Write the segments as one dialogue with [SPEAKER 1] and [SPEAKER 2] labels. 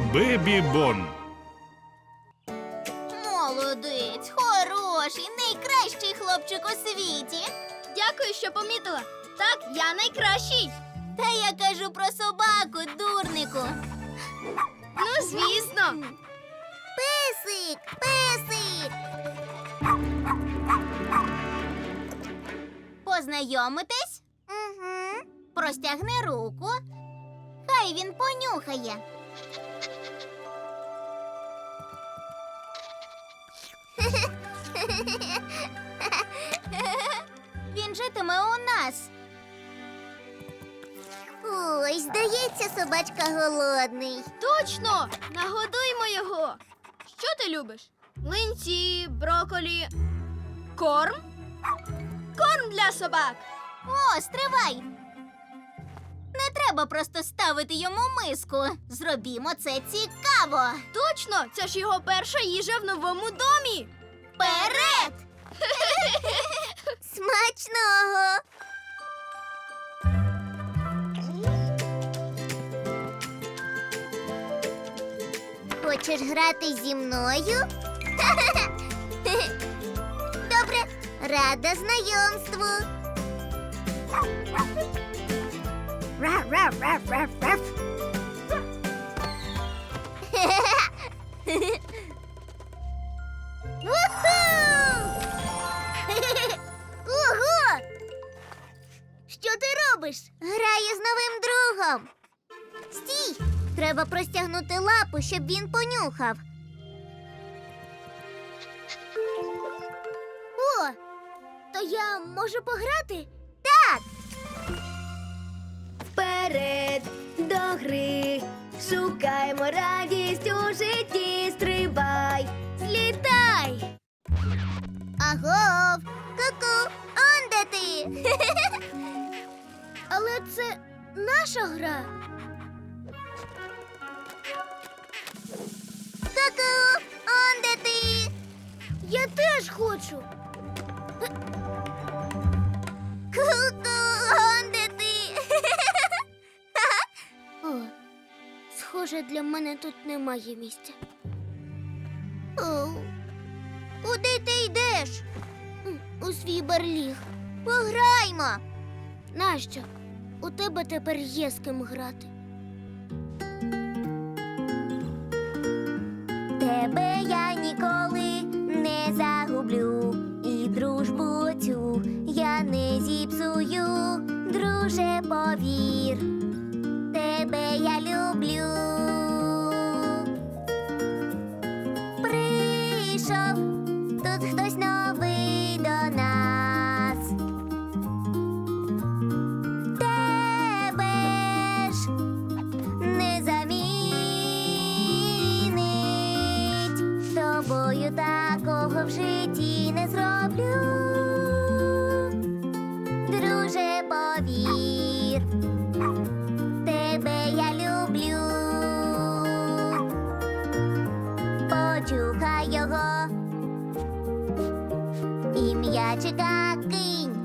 [SPEAKER 1] Бебі Бон.
[SPEAKER 2] Молодець, хороший, найкращий хлопчик у світі.
[SPEAKER 3] Дякую, що помітила. Так, я найкращий.
[SPEAKER 2] Та я кажу про собаку, дурнику.
[SPEAKER 3] Ну, звісно.
[SPEAKER 2] Песик, песик. Познайомитесь? Угу. Простягни руку. Хай він понюхає. Він житиме у нас. Ой, здається, собачка голодний.
[SPEAKER 3] Точно! Нагодуймо його. Що ти любиш? Млинці, броколі, корм? Корм для собак.
[SPEAKER 2] О, стривай! Не треба просто ставити йому миску. Зробімо це цікаво.
[SPEAKER 3] Точно! Це ж його перша їжа в новому домі.
[SPEAKER 2] Вперед! Смачного! Хочеш грати зі мною? Добре, рада знайомству. Ого! Що ти робиш? Граю з новим другом. Стій! Треба простягнути лапу, щоб він понюхав. О, то я можу пограти? Так!
[SPEAKER 3] Вперед до гри, шукаймо радість у житті, стрибай, злітай.
[SPEAKER 2] Агов! Ку-ку! Он де ти?
[SPEAKER 3] Але це наша гра.
[SPEAKER 2] Ку-ку! Он де ти?
[SPEAKER 3] Я теж хочу.
[SPEAKER 2] Ку-ку! Он де ти?
[SPEAKER 3] О, схоже, для мене тут немає місця.
[SPEAKER 2] О, куди ти йдеш?
[SPEAKER 3] У свій барліг.
[SPEAKER 2] Пограймо.
[SPEAKER 3] Нащо? У тебе тепер є з ким грати.
[SPEAKER 2] Тебе я ніколи не загублю, і дружбу цю я не зіпсую, друже, повір, тебе я люблю. Прийшов тут хтось новий до нас. Тебе ж не замінить, з тобою такого в житті не зроблю. Друже, повір, тебе я люблю. Почухай його і м'ячика кинь,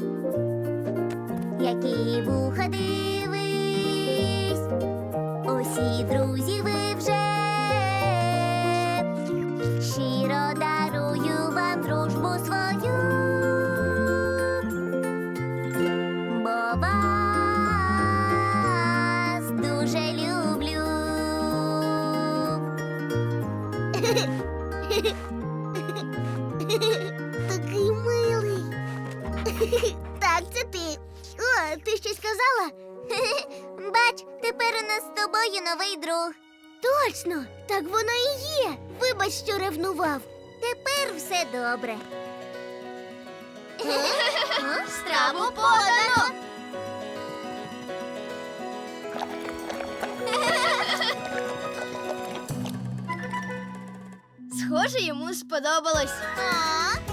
[SPEAKER 2] які вуха дивись, усі друзі ви вже, щиро дарую вам дружбу свою, бо вас дуже люблю. Такий милий. Так, це ти. О, ти щось казала? Бач, тепер у нас з тобою новий друг.
[SPEAKER 3] Точно, так воно і є. Вибач, що ревнував.
[SPEAKER 2] Тепер все добре. Страву подано.
[SPEAKER 3] Схоже, йому сподобалось.
[SPEAKER 2] А?